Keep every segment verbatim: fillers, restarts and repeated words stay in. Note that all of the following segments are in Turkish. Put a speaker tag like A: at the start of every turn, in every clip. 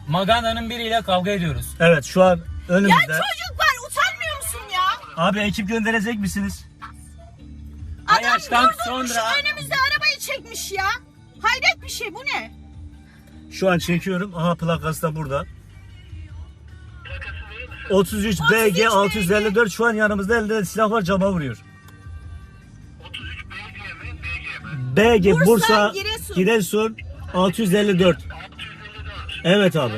A: Maganda'nın biriyle kavga ediyoruz.
B: Evet şu an önümüzde.
C: Ya çocuk var, utanmıyor musun ya?
B: Abi ekip gönderecek misiniz?
C: Adam
A: Ayaş'tan
C: durdurmuş
A: sonra-
C: önümüzde arabayı çekmiş ya. Hayret bir şey, bu ne?
B: Şu an çekiyorum. Aha plakası da burada. otuz üç B G altı yüz elli dört şu an yanımızda, elde silah var, cama vuruyor. B G
C: Bursa,
B: Bursa
C: Giresun.
B: Giresun altı yüz elli dört. Evet abi.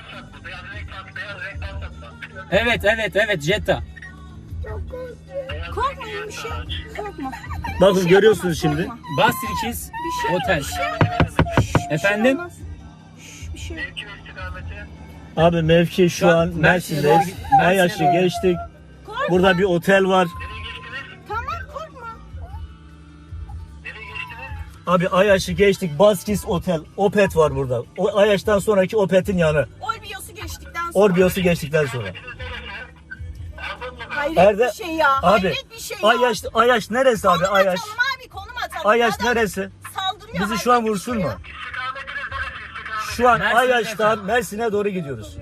A: Evet evet evet Jetta.
C: Korkma, iyi bir şey. Korkma.
B: Bakın
C: Bir şey
B: görüyorsunuz
C: yapamaz,
B: şimdi.
C: korkma.
A: Bastrikis
C: Bir şey
A: Otel.
C: Bir şey olmaz. Şşş, bir
A: Efendim?
C: Şey olmaz. Şşş, bir şey yok.
B: Abi mevki şu
A: Şu an
B: an
A: Mersin'e
B: Mersin'deyiz.
A: doğru- Mersin'e
B: Ayaş'ı
A: doğru.
B: geçtik.
C: Korkma.
B: Burada bir otel var.
C: Tamam, korkma.
B: Abi Ayaş'ı geçtik. Baskis Otel. Opet var burada. O Ayaş'tan sonraki Opet'in yanı.
C: Orbios'u geçtikten sonra.
B: Orbios'u geçtikten sonra.
C: Hayret
B: Erde-
C: bir şey ya.
B: Abi
C: Hayret bir şey ya.
B: Ayaş Ayaş neresi abi?
C: Konum
B: Ayaş.
C: atalım abi, konum atalım.
B: Ayaş
C: Adam
B: neresi?
C: Saldırıyor.
B: Bizi şu an
C: hayret bir
B: vursun
C: şey
B: mu?
C: ya.
B: Şu an
A: Mersin'e
B: Ayaş'tan
A: efendim.
B: Mersin'e doğru gidiyoruz.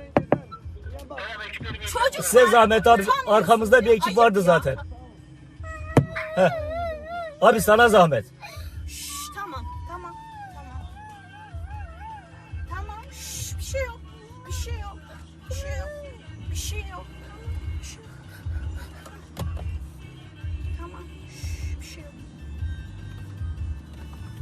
C: Çocuk
B: Size
C: var,
B: zahmet abi.
C: utanmıyorsun
B: Arkamızda bir
C: ya.
B: ekip
C: Ayıp
B: vardı
C: ya.
B: zaten. Heh. Abi sana zahmet.